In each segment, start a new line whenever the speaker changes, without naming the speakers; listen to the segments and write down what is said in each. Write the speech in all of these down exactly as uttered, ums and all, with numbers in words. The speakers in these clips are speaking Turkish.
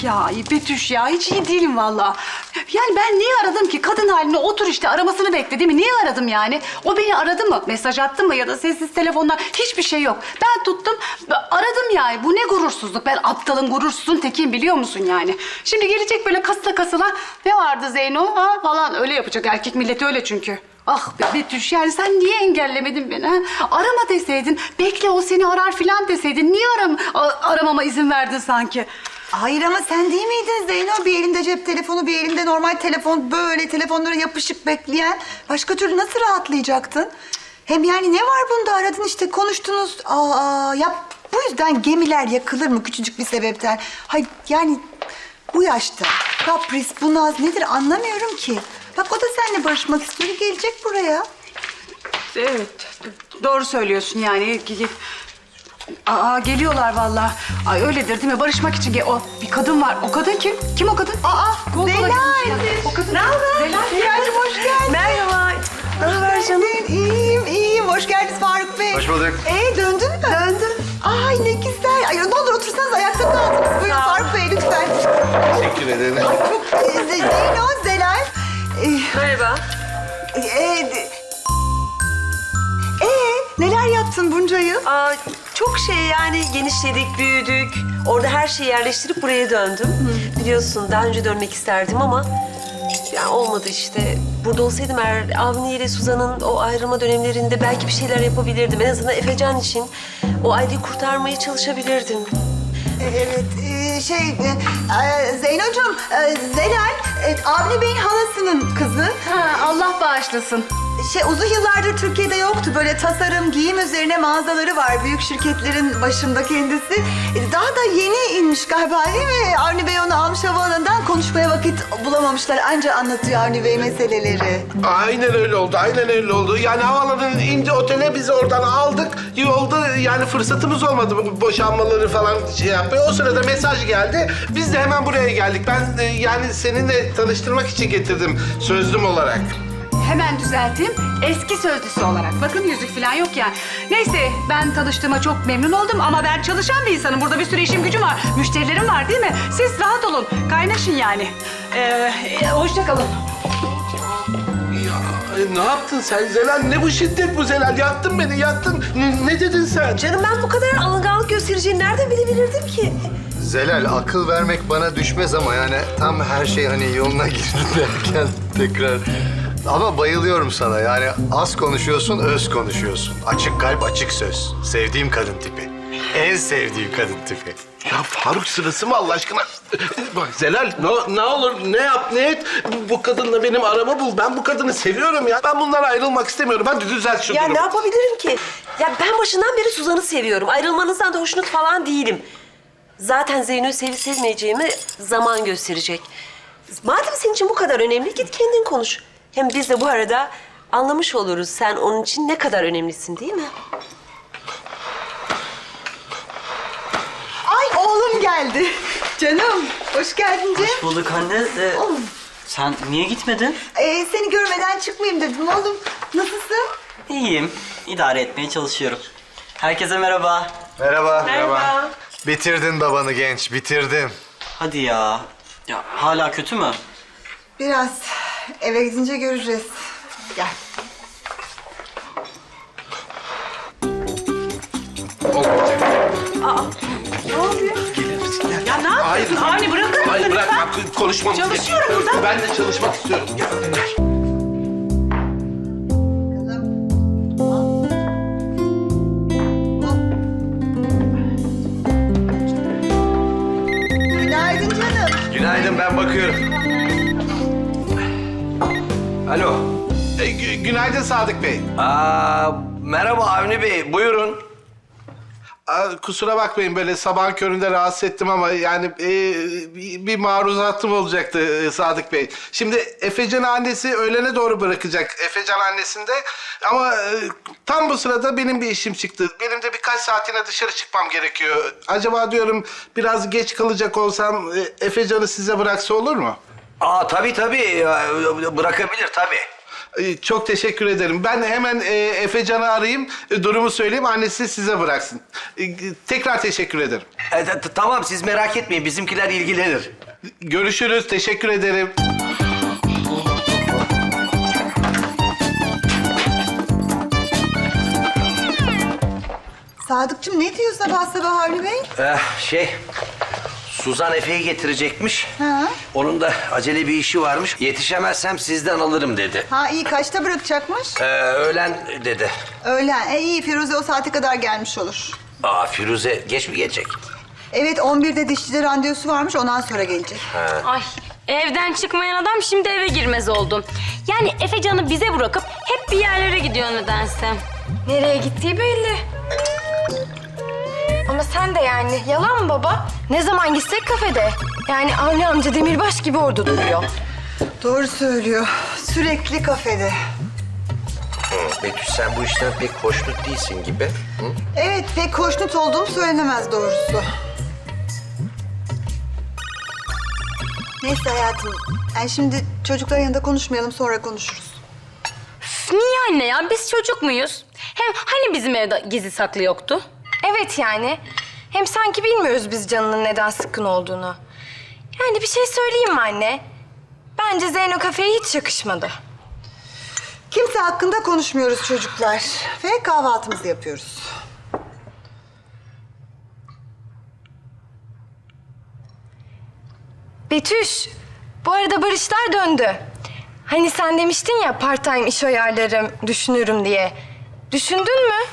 Ya ay Betüş ya hiç iyi değilim vallahi. Yani ben niye aradım ki? Kadın haline otur işte aramasını bekle değil mi? Niye aradım yani? O beni aradı mı? Mesaj attı mı? Ya da sessiz telefondan hiçbir şey yok. Ben tuttum aradım yani. Bu ne gurursuzluk? Ben aptalın gurursuzun tekiyim biliyor musun yani? Şimdi gelecek böyle kasıla kasıla ne vardı Zeyno ha falan öyle yapacak. Erkek milleti öyle çünkü. Ah be Betüş yani sen niye engellemedin beni ha? Arama deseydin, bekle o seni arar filan deseydin. Niye aram a- aramama izin verdin sanki?
Hayır ama sen değil miydin Zeyno? Bir elinde cep telefonu, bir elinde normal telefon, böyle telefonlara yapışık bekleyen. Başka türlü nasıl rahatlayacaktın? Hem yani ne var bunda? Aradın işte, konuştunuz. Aa, ya bu yüzden gemiler yakılır mı küçücük bir sebepten? Hayır yani bu yaşta kapris, bu naz nedir anlamıyorum ki. Bak o da seninle barışmak istiyor, gelecek buraya.
Evet, doğru söylüyorsun yani. Aa geliyorlar vallahi. Ay öyledir değil mi? Barışmak için gel. O bir kadın var. O kadın kim? Kim o kadın?
Aa,
Kol kola
Zelal.
gitmişler. O kadın. Ne haber? Zelal.
Zelal'cim hoş geldin.
Merhaba. Ne haber canım?
İyiyim, iyiyim. Hoş geldiniz Faruk Bey.
Hoş bulduk.
Ee, döndün mü? Döndüm. Ay ne güzel. Ay ne olur otursanız ayakta kaldınız. Buyurun
Sağ ol.
Faruk Bey lütfen.
Teşekkür ederim.
Ee, Z- Zeyno, Zelal. Ee,
Merhaba.
e, de- ee, neler yaptın bunca yıl?
Aa, çok şey yani genişledik, büyüdük. Orada her şeyi yerleştirip buraya döndüm. Biliyorsun daha önce dönmek isterdim ama ya olmadı işte. Burada olsaydım eğer Avni ile Suzan'ın o ayrılma dönemlerinde belki bir şeyler yapabilirdim. En azından Efecan için o aileyi kurtarmaya çalışabilirdim.
Evet, e, şey, e, e, Zeynocuğum, e, Zelal, e, Avni Bey'in halasının kızı.
Ha, Allah bağışlasın.
Şey, uzun yıllardır Türkiye'de yoktu. Böyle tasarım, giyim üzerine mağazaları var. Büyük şirketlerin başında kendisi. E, Daha da yeni inmiş galiba değil mi? Avni Bey onu almış havaalanından, konuşmaya vakit bulamamışlar. Anca anlatıyor Avni Bey meseleleri.
Aynen öyle oldu, aynen öyle oldu. Yani havaalanının indi otele biz oradan aldık. Yolda yani fırsatımız olmadı bu boşanmaları falan şey yapmaya. O sırada mesaj geldi. Biz de hemen buraya geldik. Ben e, yani seninle tanıştırmak için getirdim sözlüm olarak.
Hemen düzelteyim. Eski sözlüsü olarak. Bakın yüzük falan yok yani. Neyse ben tanıştığıma çok memnun oldum ama ben çalışan bir insanım. Burada bir sürü işim gücüm var. Müşterilerim var değil mi? Siz rahat olun. Kaynaşın yani. Ee, hoşça kalın.
Ya e, ne yaptın sen Zelal? Ne bu şiddet bu Zelal? Yaktın beni, yaktın. Ne, ne dedin sen?
Canım ben bu kadar alınganlık göstereceğini nereden bilebilirdim ki?
Zelal, akıl vermek bana düşmez ama yani tam her şey hani yoluna girdi derken tekrar... Ama bayılıyorum sana yani az konuşuyorsun, öz konuşuyorsun. Açık kalp, açık söz. Sevdiğim kadın tipi. En sevdiğim kadın tipi.
Ya Faruk sırası mı Allah aşkına? Bak Zelal ne, ne olur ne yap ne et. Bu, bu kadınla benim aramı bul. Ben bu kadını seviyorum ya. Ben bundan ayrılmak istemiyorum. Hadi düzelt şu
Ya
durumu.
ne yapabilirim ki? Ya ben başından beri Suzan'ı seviyorum. Ayrılmanızdan da hoşnut falan değilim. Zaten Zeyno'yu sevip sevmeyeceğimi zaman gösterecek. Madem senin için bu kadar önemli git kendin konuş. Hem biz de bu arada anlamış oluruz sen onun için ne kadar önemlisin değil mi?
Ay oğlum geldi. Canım, hoş geldin Cem.
Hoş bulduk anne. Ee,
Oğlum,
sen niye gitmedin?
e, seni görmeden çıkmayayım dedim oğlum. Nasılsın?
İyiyim. İdare etmeye çalışıyorum. Herkese merhaba.
Merhaba.
Merhaba.
Bitirdin babanı genç, bitirdin.
Hadi ya. Ya hala kötü mü?
Biraz eve gidince göreceğiz. Gel.
Olmayacak.
Ne oluyor?
Gelir misin? Gel.
Ya ne yapıyorsun?
Hayır.
Avni bırakır mısın
Hayır bırak.
lütfen?
Bak, konuşmamız
Çalışıyorum
gerekiyor.
burada.
Ben de çalışmak istiyorum. Gel.
Günaydın canım.
Günaydın, ben bakıyorum. Alo.
E, gü- günaydın Sadık Bey.
Aa, merhaba Avni Bey, buyurun.
Aa, kusura bakmayın böyle sabahın köründe rahatsız ettim ama yani e, bir, bir maruzatım olacaktı e, Sadık Bey. Şimdi Efecan annesi öğlene doğru bırakacak. Efecan annesinde ama e, tam bu sırada benim bir işim çıktı. Benim de birkaç saatine dışarı çıkmam gerekiyor. Acaba diyorum biraz geç kalacak olsam e, Efecan'ı size bıraksa olur mu?
Aa, tabii tabii, Ee, bırakabilir tabii.
Ee, Çok teşekkür ederim. Ben hemen e, Efecan'ı arayayım, e, durumu söyleyeyim, annesi size bıraksın. E, tekrar teşekkür ederim.
E, t- t- tamam siz merak etmeyin bizimkiler ilgilenir.
Görüşürüz, teşekkür ederim.
Sadıkçım ne diyor sabah sabah Avni Bey?
Eh, şey Suzan Efe'yi getirecekmiş.
Ha?
Onun da acele bir işi varmış. Yetişemezsem sizden alırım dedi.
Ha iyi kaçta bırakacakmış?
Ee, öğlen dedi.
Öğlen. E iyi Firuze o saate kadar gelmiş olur.
Aa Firuze geç mi gelecek?
Evet on birde dişçide randevusu varmış ondan sonra gelecek.
Ay evden çıkmayan adam şimdi eve girmez oldum. Yani Efecan'ı bize bırakıp hep bir yerlere gidiyor nedense.
Nereye gittiği belli. Ama sen de yani yalan mı baba? Ne zaman gitsek kafede. Yani Avni amca demirbaş gibi orada duruyor.
Doğru söylüyor. Sürekli kafede.
Betüş sen bu işten pek hoşnut değilsin gibi. Hı?
Evet pek hoşnut olduğum söylenemez doğrusu. Neyse hayatım. Yani şimdi çocukların yanında konuşmayalım sonra konuşuruz.
Üf, niye anne ya? Biz çocuk muyuz? Hem hani bizim evde gizli saklı yoktu?
Evet yani. Hem sanki bilmiyoruz biz Can'ın neden sıkkın olduğunu. Yani bir şey söyleyeyim mi anne? Bence Zeyno kafeye hiç yakışmadı.
Kimse hakkında konuşmuyoruz çocuklar. Ve kahvaltımızı yapıyoruz.
Betüş, bu arada Barışlar döndü. Hani sen demiştin ya part time iş ayarlarım, düşünürüm diye. Düşündün mü?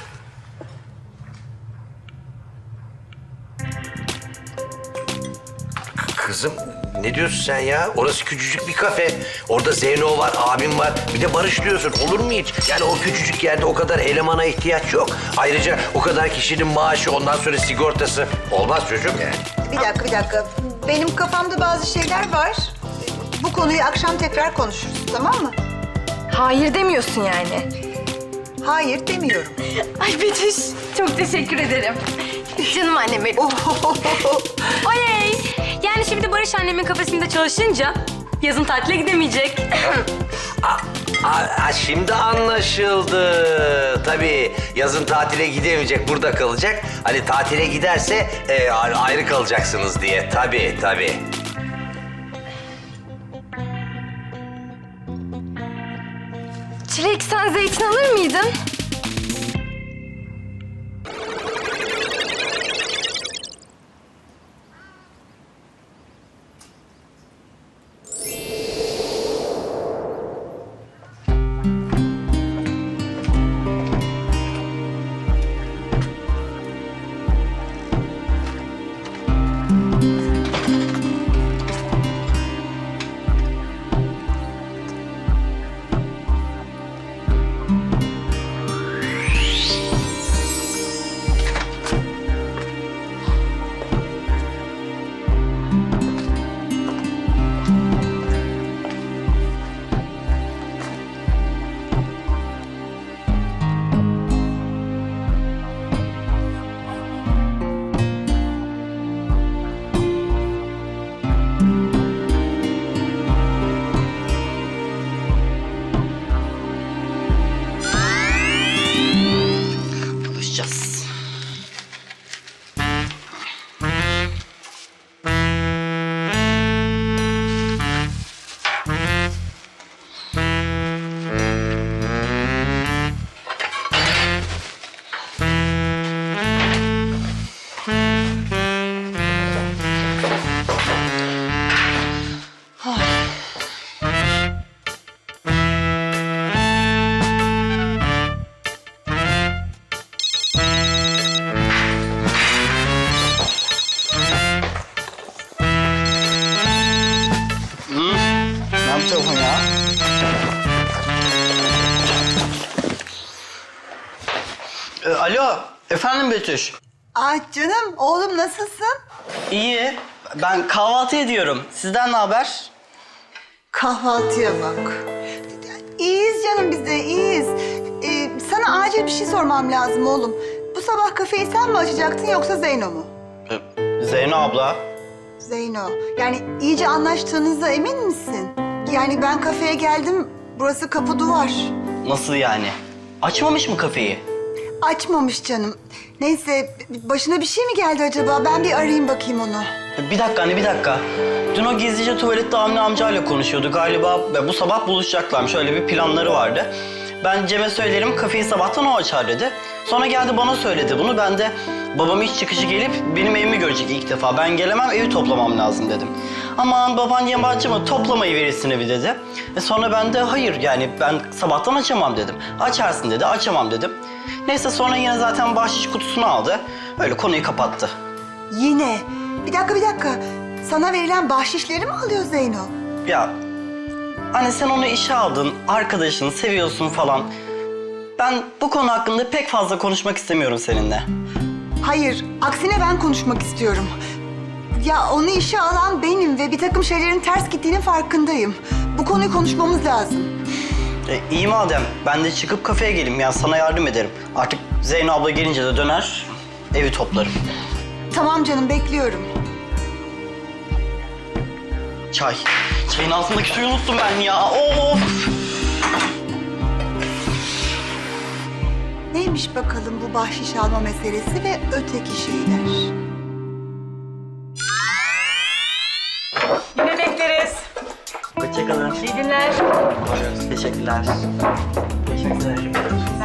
Kızım ne diyorsun sen ya? Orası küçücük bir kafe. Orada Zeyno var, abim var. Bir de Barış diyorsun. Olur mu hiç? Yani o küçücük yerde o kadar elemana ihtiyaç yok. Ayrıca o kadar kişinin maaşı, ondan sonra sigortası. Olmaz çocuğum yani.
Bir dakika, bir dakika. Benim kafamda bazı şeyler var. Bu konuyu akşam tekrar konuşuruz, tamam mı?
Hayır demiyorsun yani.
Hayır demiyorum.
Ay Betüş, çok teşekkür ederim. Canım annem benim.
Oley! Yani şimdi Barış annemin kafesinde çalışınca yazın tatile gidemeyecek.
Aa, aa, şimdi anlaşıldı. Tabii yazın tatile gidemeyecek, burada kalacak. Hani tatile giderse e, ayrı kalacaksınız diye. Tabii, tabii.
Çilek sen zeytin alır mıydın?
Buluşacağız.
Ne yapıyorsun ya?
Ee, alo, efendim Betüş.
Ah canım, oğlum nasılsın?
İyi, ben kahvaltı ediyorum. Sizden ne haber?
Kahvaltıya bak. İyiyiz canım biz de, iyiyiz. Ee, sana acil bir şey sormam lazım oğlum. Bu sabah kafeyi sen mi açacaktın yoksa Zeyno mu?
Ee, Zeyno abla.
Zeyno. Yani iyice anlaştığınıza emin misin? Yani ben kafeye geldim, Burası kapı duvar.
Nasıl yani? Açmamış mı kafeyi?
Açmamış canım. Neyse başına bir şey mi geldi acaba? Ben bir arayayım bakayım onu.
Bir dakika anne bir dakika. Dün o gizlice tuvalette Avni amcayla konuşuyordu galiba. Ve bu sabah buluşacaklarmış. Öyle bir planları vardı. Ben Cem'e söylerim kafeyi sabahtan o açar dedi. Sonra geldi bana söyledi bunu. Ben de babam iş çıkışı gelip benim evimi görecek ilk defa. Ben gelemem evi toplamam lazım dedim. Aman baban yabancı mı toplamayı verirsin evi dedi. E sonra ben de hayır yani ben sabahtan açamam dedim. Açarsın dedi açamam dedim. Neyse sonra yine zaten bahşiş kutusunu aldı. Öyle konuyu kapattı.
Yine. Bir dakika bir dakika. Sana verilen bahşişleri mi alıyor Zeyno?
Ya anne sen onu işe aldın, arkadaşını seviyorsun falan. Ben bu konu hakkında pek fazla konuşmak istemiyorum seninle.
Hayır, aksine ben konuşmak istiyorum. Ya onu işe alan benim ve bir takım şeylerin ters gittiğinin farkındayım. Bu konuyu konuşmamız lazım.
E, iyi madem ben de çıkıp kafeye geleyim ya sana yardım ederim. Artık Zeyno abla gelince de döner evi toplarım.
Tamam canım, bekliyorum.
Çay. Çayın altındaki suyu unuttum ben ya. Of!
Neymiş bakalım bu bahşiş alma meselesi ve öteki şeyler?
Yine bekleriz.
Hoşçakalın.
İyi günler.
Teşekkürler. Teşekkürler.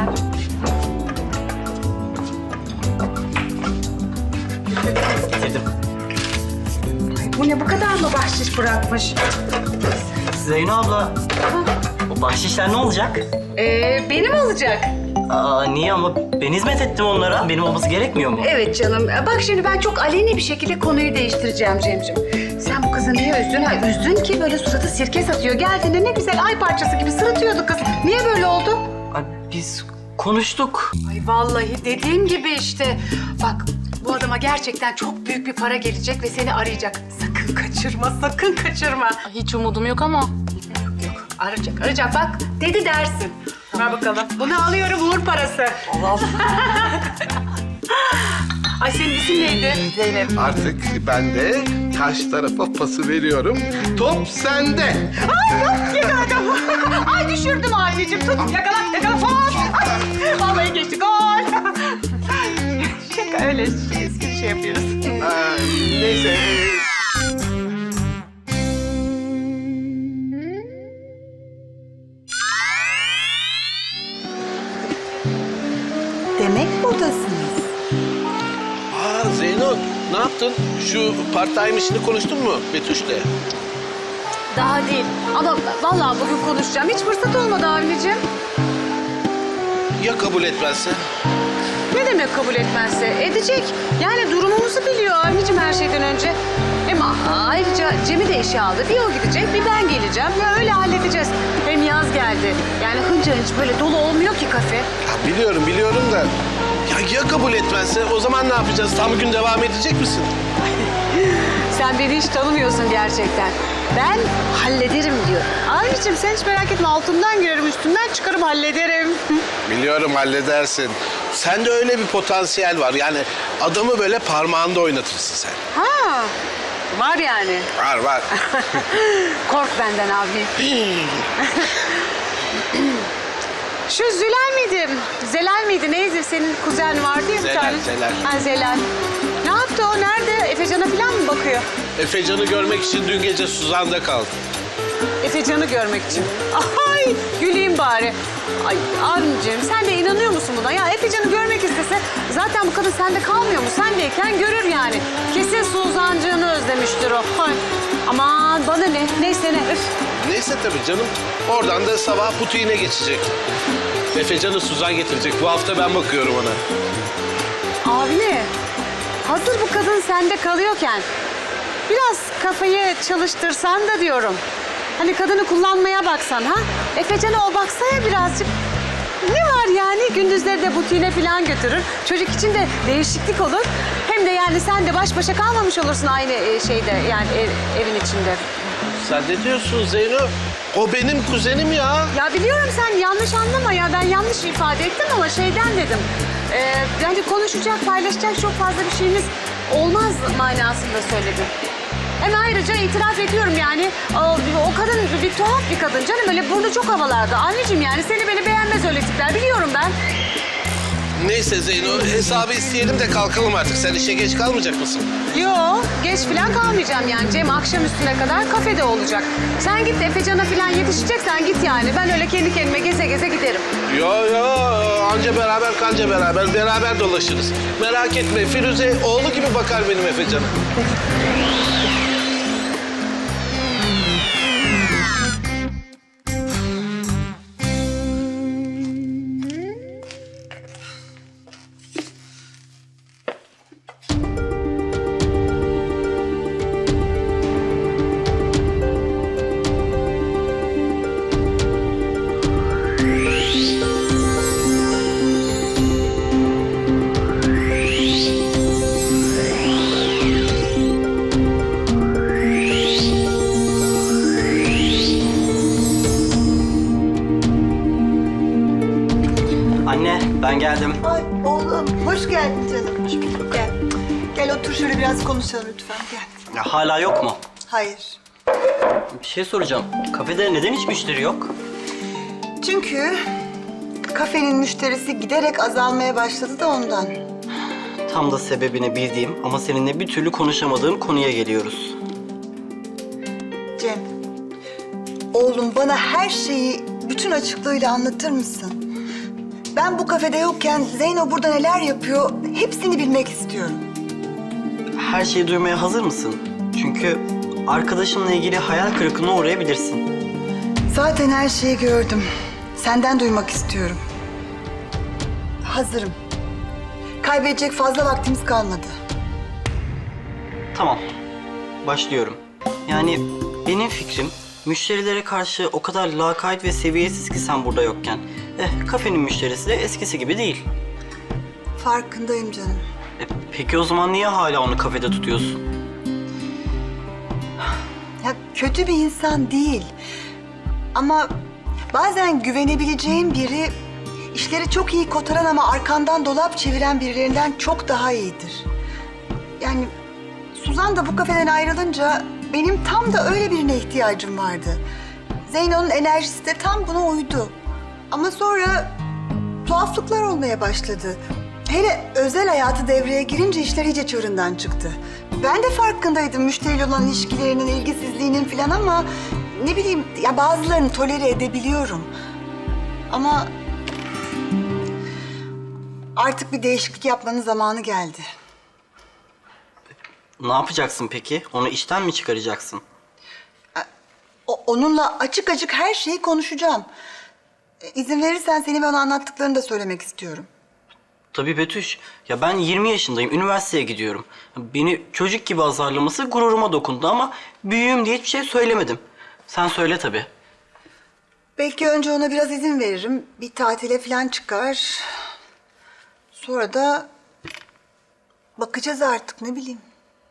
Getirdim.
Bu ne bu kadar mı bahşiş bırakmış?
Zeyno abla, o bahşişler ne olacak?
Ee, benim olacak.
Aa, niye ama ben hizmet ettim onlara. Benim olması gerekmiyor mu?
Evet canım. Bak şimdi ben çok aleni bir şekilde konuyu değiştireceğim Cemcim. Sen bu kızı niye üzdün? Ha, üzdün ki böyle suratı sirke satıyor. Geldiğinde ne güzel ay parçası gibi sırıtıyordu kız. Niye böyle oldu?
Ay, biz konuştuk.
Ay vallahi dediğim gibi işte. Bak bu adama gerçekten çok büyük bir para gelecek ve seni arayacak. Sakın kaçırma, sakın kaçırma.
Hiç umudum yok ama.
Yok, arayacak, arayacak. Bak dedi dersin. Ver bakalım. Bunu alıyorum uğur parası.
Allah.
Ay senin isim neydi? Zeynep.
Artık ben de karşı tarafa pası veriyorum. Top sende.
Ay yok yakaladım. Ay düşürdüm anneciğim. Tut yakala yakala. Hop. Ay, vallahi geçti gol. Şaka öyle eski şey yapıyoruz.
Aa, neyse.
Demek buradasınız.
Aa Zeyno ne yaptın? Şu part-time işini konuştun mu Betüş'le?
Daha değil. Ama vallahi bugün konuşacağım. Hiç fırsat olmadı anneciğim.
Ya kabul etmezse?
Ne demek kabul etmezse? Edecek. Yani durumumuzu biliyor anneciğim her şeyden önce. Hem a- ayrıca Cem'i de işe aldı. Bir o gidecek, bir ben geleceğim. Ya öyle halledeceğiz. Hem yaz geldi. Yani hınca hınç böyle dolu olmuyor ki kafe.
Ya biliyorum biliyorum da ya, ya kabul etmezse o zaman ne yapacağız? Tam gün devam edecek misin?
Sen beni hiç tanımıyorsun gerçekten. Ben hallederim diyor. Anneciğim sen hiç merak etme. Altından girerim, üstünden çıkarım hallederim.
Biliyorum halledersin. Sende öyle bir potansiyel var. Yani adamı böyle parmağında oynatırsın sen.
Ha, var yani.
Var var.
Kork benden abi. Şu Zülal miydi? Zelal miydi? Neydi? Senin kuzen vardı ya bir
Zelal,
tane.
Zelal.
Ha Zelal. Ne yaptı o? Nerede? Efecan'a falan mı bakıyor?
Efecan'ı görmek için dün gece Suzan'da kaldı.
Efecan'ı görmek için. Ay güleyim bari. Ay abicim sen de inanıyor musun buna? Ya Efecan'ı görmek istese zaten bu kadın sende kalmıyor mu? Sendeyken görür yani. Kesin Suzan'cığını özlemiştir o. Ay. Aman bana ne? Neyse ne? Öf.
Neyse tabii canım. Oradan da sabah butiğine geçecek. Efecan'ı Suzan getirecek. Bu hafta ben bakıyorum ona.
Abi hazır bu kadın sende kalıyorken biraz kafayı çalıştırsan da diyorum. Hani kadını kullanmaya baksan ha? Efecan'a o baksaya birazcık. Ne var yani? Gündüzleri de butiğine falan götürür. Çocuk için de değişiklik olur. Hem de yani sen de baş başa kalmamış olursun aynı e, şeyde yani ev- evin içinde.
Sen ne diyorsun Zeyno? O benim kuzenim ya.
Ya biliyorum sen yanlış anlama ya. Ben yanlış ifade ettim ama şeyden dedim. Ee, yani konuşacak, paylaşacak çok fazla bir şeyimiz olmaz manasında söyledim. Hem ayrıca itiraz ediyorum yani. O, o kadın bir tuhaf bir kadın canım. Öyle burnu çok havalarda. Anneciğim yani seni beni beğenmez öyle tipler. Biliyorum ben.
Neyse Zeyno, hesabı isteyelim de kalkalım artık. Sen işe geç kalmayacak mısın?
Yo, geç falan kalmayacağım yani. Cem akşam üstüne kadar kafede olacak. Sen git Efecan'a falan yetişeceksen git yani. Ben öyle kendi kendime geze geze giderim.
Yo yo, anca beraber kanca beraber, beraber dolaşırız. Merak etme, Firuze oğlu gibi bakar benim Efecan'a.
Anne, ben geldim.
Ay oğlum hoş geldin canım. Hoş bulduk. Gel. Gel otur şöyle biraz konuşalım lütfen gel.
Ya hala yok mu?
Hayır.
Bir şey soracağım. Kafede neden hiç müşteri yok?
Çünkü kafenin müşterisi giderek azalmaya başladı da ondan.
Tam da sebebini bildiğim ama seninle bir türlü konuşamadığım konuya geliyoruz.
Cem, oğlum bana her şeyi bütün açıklığıyla anlatır mısın? Ben bu kafede yokken Zeyno burada neler yapıyor hepsini bilmek istiyorum.
Her şeyi duymaya hazır mısın? Çünkü arkadaşımla ilgili hayal kırıklığına uğrayabilirsin.
Zaten her şeyi gördüm. Senden duymak istiyorum. Hazırım. Kaybedecek fazla vaktimiz kalmadı.
Tamam, başlıyorum. Yani benim fikrim müşterilere karşı o kadar lakayt ve seviyesiz ki sen burada yokken. Eh, kafenin müşterisi de eskisi gibi değil.
Farkındayım canım.
E, peki o zaman niye hala onu kafede tutuyorsun?
Ya kötü bir insan değil. Ama bazen güvenebileceğin biri işleri çok iyi kotaran ama arkandan dolap çeviren birilerinden çok daha iyidir. Yani Suzan da bu kafeden ayrılınca benim tam da öyle birine ihtiyacım vardı. Zeyno'nun enerjisi de tam buna uydu. Ama sonra tuhaflıklar olmaya başladı. Hele özel hayatı devreye girince işler iyice çığırından çıktı. Ben de farkındaydım müşteriyle olan ilişkilerinin, ilgisizliğinin falan ama ne bileyim ya bazılarını tolere edebiliyorum. Ama artık bir değişiklik yapmanın zamanı geldi.
Ne yapacaksın peki? Onu işten mi çıkaracaksın?
O, onunla açık açık her şeyi konuşacağım. E, İzin verirsen seni bana anlattıklarını da söylemek istiyorum.
Tabii Betüş. Ya ben yirmi yaşındayım. Üniversiteye gidiyorum. Beni çocuk gibi azarlaması gururuma dokundu ama büyüğüm diye hiçbir şey söylemedim. Sen söyle tabii.
Belki önce ona biraz izin veririm. Bir tatile falan çıkar. Sonra da bakacağız artık ne bileyim.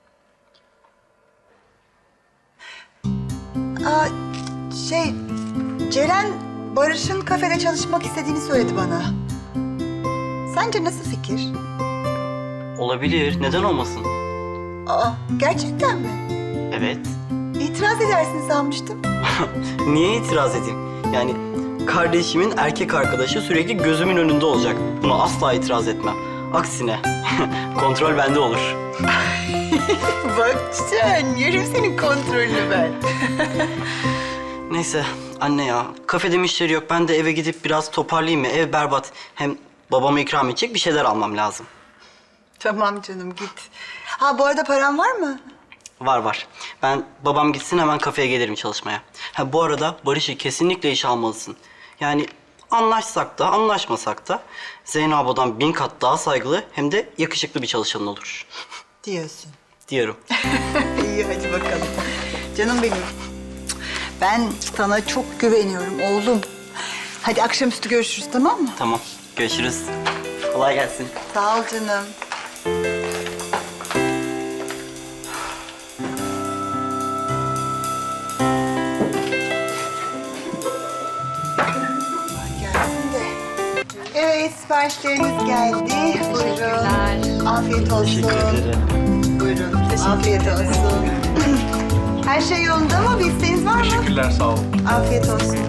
Aa, şey, Ceren Barış'ın kafede çalışmak istediğini söyledi bana. Sence nasıl fikir?
Olabilir. Neden olmasın?
Aa, gerçekten mi?
Evet.
İtiraz edersin sanmıştım.
Niye itiraz edeyim? Yani kardeşimin erkek arkadaşı sürekli gözümün önünde olacak. Buna asla itiraz etmem. Aksine kontrol bende olur.
Bak sen, yerim senin kontrolünü ben.
Neyse anne ya, kafede müşteri yok. Ben de eve gidip biraz toparlayayım mı? Ev berbat. Hem babama ikram edecek bir şeyler almam lazım.
Tamam canım git. Ha bu arada paran var mı?
Var var. Ben babam gitsin hemen kafeye gelirim çalışmaya. Ha bu arada Barış'ı kesinlikle işe almalısın. Yani anlaşsak da anlaşmasak da Zeyno abladan bin kat daha saygılı hem de yakışıklı bir çalışan olur.
Diyorsun.
Diyorum.
İyi hadi bakalım. Canım benim. Ben sana çok güveniyorum oğlum. Hadi akşamüstü görüşürüz tamam mı?
Tamam. Görüşürüz. Kolay gelsin.
Sağ ol canım. Gelsin de. Evet siparişleriniz geldi. Buyurun. Afiyet olsun.
Teşekkür ederim.
Buyurun. Afiyet olsun. Her şey yolunda mı? Bir isteğiniz var mı?
Teşekkürler, sağ olun.
Afiyet olsun.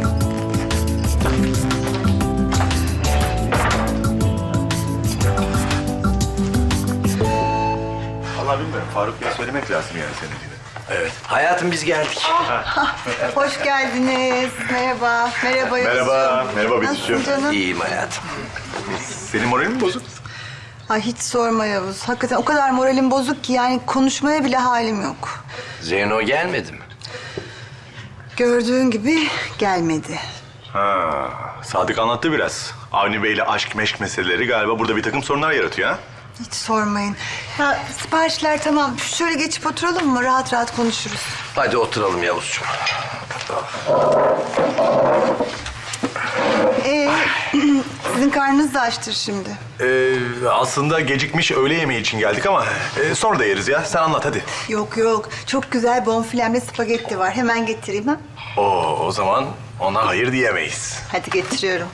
Vallahi bilmiyorum. Faruk Bey'e söylemek lazım yani senin gibi.
Evet. Hayatım biz geldik.
Hoş geldiniz. Merhaba. Merhaba Yavuzcuğum.
Merhaba. Merhaba
Nasılsın
Betüş'üm.
canım?
İyiyim hayatım.
Senin moralin mi bozuk?
Ay hiç sorma Yavuz. Hakikaten o kadar moralim bozuk ki yani konuşmaya bile halim yok.
Zeyno gelmedi mi?
Gördüğün gibi gelmedi.
Ha, Sadık anlattı biraz. Avni Bey'le aşk meşk meseleleri galiba burada bir takım sorunlar yaratıyor ha?
Hiç sormayın. Ya siparişler tamam. Şöyle geçip oturalım mı? Rahat rahat konuşuruz.
Hadi oturalım Yavuzcuğum.
Ee, sizin karnınız da açtır şimdi.
Ee, aslında gecikmiş öğle yemeği için geldik ama e, sonra da yeriz ya. Sen anlat hadi.
Yok yok. Çok güzel bonfilemli spagetti var. Hemen getireyim ha.
Oo, o zaman ona hayır diyemeyiz.
Hadi getiriyorum.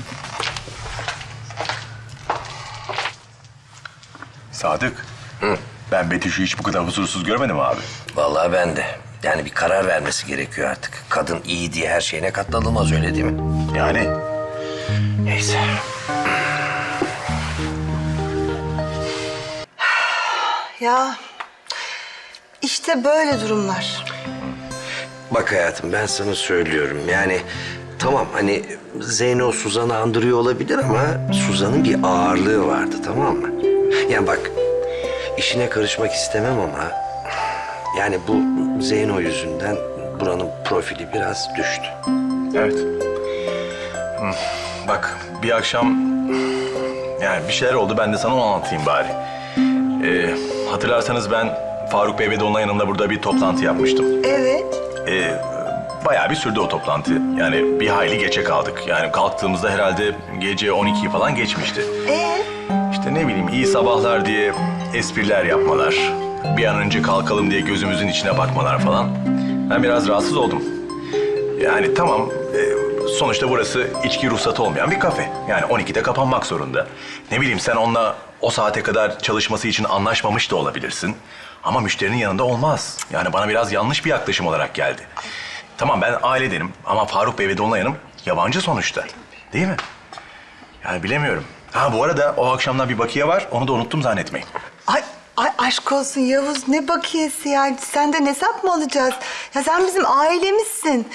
Sadık. Ben Betüş'ü hiç bu kadar huzursuz görmedim abi.
Vallahi ben de. Yani bir karar vermesi gerekiyor artık. Kadın iyi diye her şeyine katlanılmaz, öyle değil mi?
Yani
Neyse.
Ya işte böyle durumlar.
Bak hayatım, ben sana söylüyorum. Yani tamam, hani Zeyno Suzan'ı andırıyor olabilir ama Suzan'ın bir ağırlığı vardı, tamam mı? Yani bak, işine karışmak istemem ama yani bu Zeyno yüzünden buranın profili biraz düştü.
evet. Hı, Bak bir akşam yani bir şeyler oldu, ben de sana onu anlatayım bari. Ee, hatırlarsanız ben Faruk Bey ve Dolunay yanında burada bir toplantı yapmıştım.
Evet.
Ee, bayağı bir sürdü o toplantı. Yani bir hayli geçe kaldık. Yani kalktığımızda herhalde gece on ikiyi falan geçmişti.
Ee?
İşte ne bileyim iyi sabahlar diye espriler yapmalar. Bir an önce kalkalım diye gözümüzün içine bakmalar falan. Ben biraz rahatsız oldum. Yani tamam e, sonuçta burası içki ruhsatı olmayan bir kafe. Yani on ikide kapanmak zorunda. Ne bileyim sen onunla o saate kadar çalışması için anlaşmamış da olabilirsin. Ama müşterinin yanında olmaz. Yani bana biraz yanlış bir yaklaşım olarak geldi. Tamam ben ailedenim ama Faruk Bey ve Dolunay Hanım yabancı sonuçta. Değil mi? Yani bilemiyorum. Ha bu arada o akşamdan bir bakiye var. Onu da unuttum zannetmeyin.
Ay, ay aşk olsun Yavuz, ne bakiyesi yani, senden hesap mı alacağız? Ya sen bizim ailemizsin.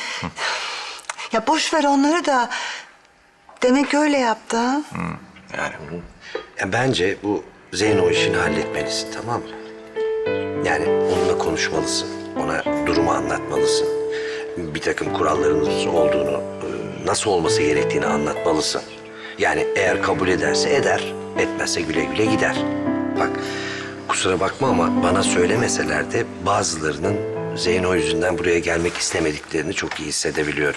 Ya boş ver onları da. Demek öyle yaptı ha?
Yani
Ya bence bu Zeyno işini halletmelisin, tamam mı? Yani onunla konuşmalısın, ona durumu anlatmalısın. Bir takım kurallarınız olduğunu, e, nasıl olması gerektiğini anlatmalısın. Yani eğer kabul ederse eder, etmezse güle güle gider. Bak, kusura bakma ama bana söylemeseler de bazılarının Zeyno yüzünden buraya gelmek istemediklerini çok iyi hissedebiliyorum.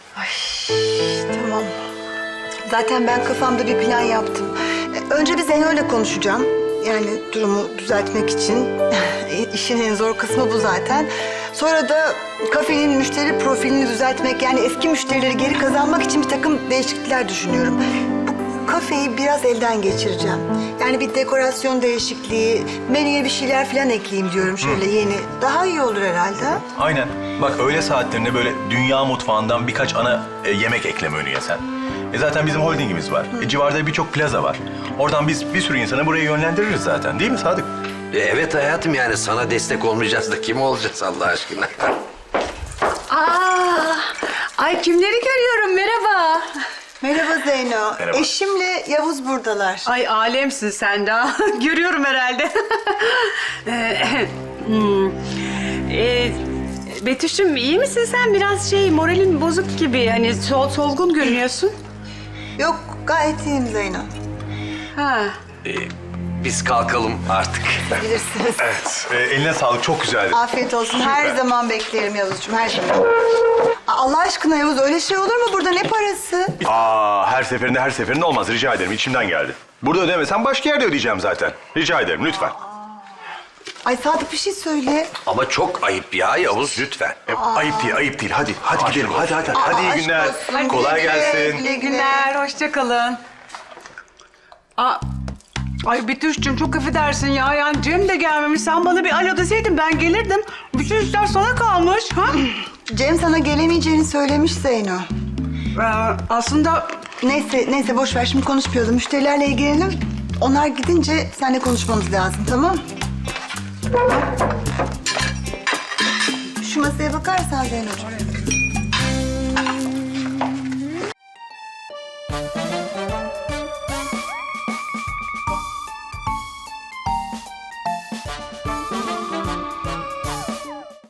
Tamam. Zaten ben kafamda bir plan yaptım. E, Önce bir Zeyno'yla konuşacağım. Yani durumu düzeltmek için. İşin en zor kısmı bu zaten. Sonra da kafenin müşteri profilini düzeltmek, yani eski müşterileri geri kazanmak için bir takım değişiklikler düşünüyorum. Bu kafeyi biraz elden geçireceğim. Yani bir dekorasyon değişikliği, menüye bir şeyler falan ekleyeyim diyorum şöyle yeni. Daha iyi olur herhalde.
aynen. Bak öğle saatlerinde böyle dünya mutfağından birkaç ana e, yemek ekleme önüye sen. E zaten bizim holdingimiz var. E, civarda birçok plaza var. Oradan biz bir sürü insanı buraya yönlendiririz zaten. Değil mi Sadık?
E, evet hayatım, yani sana destek olmayacağız da kim olacağız Allah aşkına?
Aa, ay kimleri görüyorum, merhaba.
Merhaba Zeyno.
Merhaba.
Eşimle Yavuz buradalar.
Ay alemsin sen daha. Görüyorum herhalde. Ee, hmm. Ee, Betüş'üm iyi misin sen? Biraz şey moralin bozuk gibi. Hani sol, solgun görünüyorsun.
Yok, gayet iyiyim Zeyno.
Ha.
E, biz kalkalım artık.
Bilirsiniz.
Evet. E, eline sağlık. Çok güzeldi.
Afiyet olsun. Her zaman beklerim Yavuzcuğum, her zaman. Aa, Allah aşkına Yavuz, öyle şey olur mu? Burada ne parası?
Aa, her seferinde her seferinde olmaz. Rica ederim. İçimden geldi. Burada ödemesem başka yerde ödeyeceğim zaten. Rica ederim lütfen.
Ay Sadık, bir şey söyle.
Ama çok ayıp ya Yavuz, lütfen.
E, ayıp değil, ayıp değil. Hadi, hadi gidelim. Hadi, hadi. Hadi iyi
aşk
günler.
olsun.
Kolay
Güle güle,
gelsin.
güle
İyi günler, hoşça kalın. Aa, Ay Betüş'cüğüm çok affedersin ya. Yani Cem de gelmemiş. Sen bana bir alo deseydin ben gelirdim. Bütün işler sana kalmış. Ha?
Cem sana gelemeyeceğini söylemiş Zeyno.
Ee, aslında
Neyse, neyse boş ver. Şimdi konuşmayalım. Müşterilerle ilgilenelim. Onlar gidince seninle konuşmamız lazım, tamam? Şu masaya bakarsan Zeyno'cuğum.